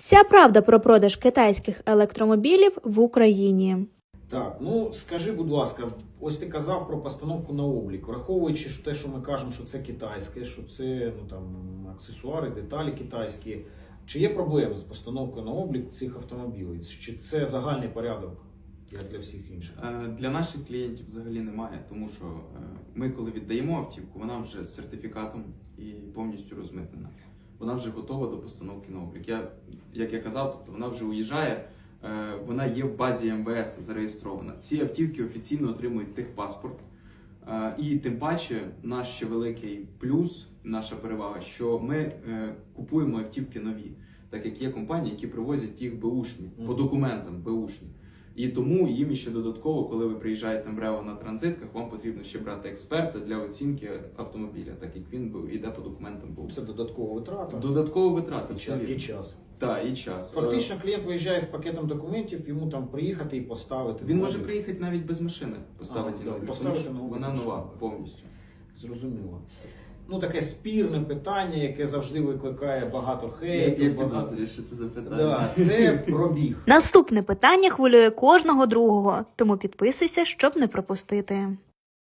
Вся правда про продаж китайських електромобілів в Україні. Так, ну скажи, будь ласка, ось ти казав про постановку на облік, враховуючи те, що ми кажемо, що це китайське, що це аксесуари, деталі китайські. Чи є проблеми з постановкою на облік цих автомобілів? Чи це загальний порядок, як для всіх інших? Для наших клієнтів взагалі немає, тому що ми, коли віддаємо автівку, вона вже з сертифікатом і повністю розмитнена. Вона вже готова до постановки на облік. Як я казав, тобто вона вже уїжджає, вона є в базі МВС зареєстрована. Ці автівки офіційно отримують техпаспорт. І тим паче наш ще великий плюс, наша перевага, що ми купуємо автівки нові, так як є компанії, які привозять їх беушні, по документам беушні. І тому їм ще додатково, коли ви приїжджаєте в МРЕО на транзитках, вам потрібно ще брати експерта для оцінки автомобіля, так як він йде по документам БУ. Це додаткова витрата. Додаткова витрата. І час. Так, і час. Фактично клієнт виїжджає з пакетом документів, йому там приїхати і поставити. Він може приїхати навіть без машини, поставити на облік, тому що на облік, вона нова повністю. Зрозуміло. Ну, таке спірне питання, яке завжди викликає багато хейту. Як підозрюєш, що це за питання? Да, це пробіг. Наступне питання хвилює кожного другого, тому підписуйся, щоб не пропустити.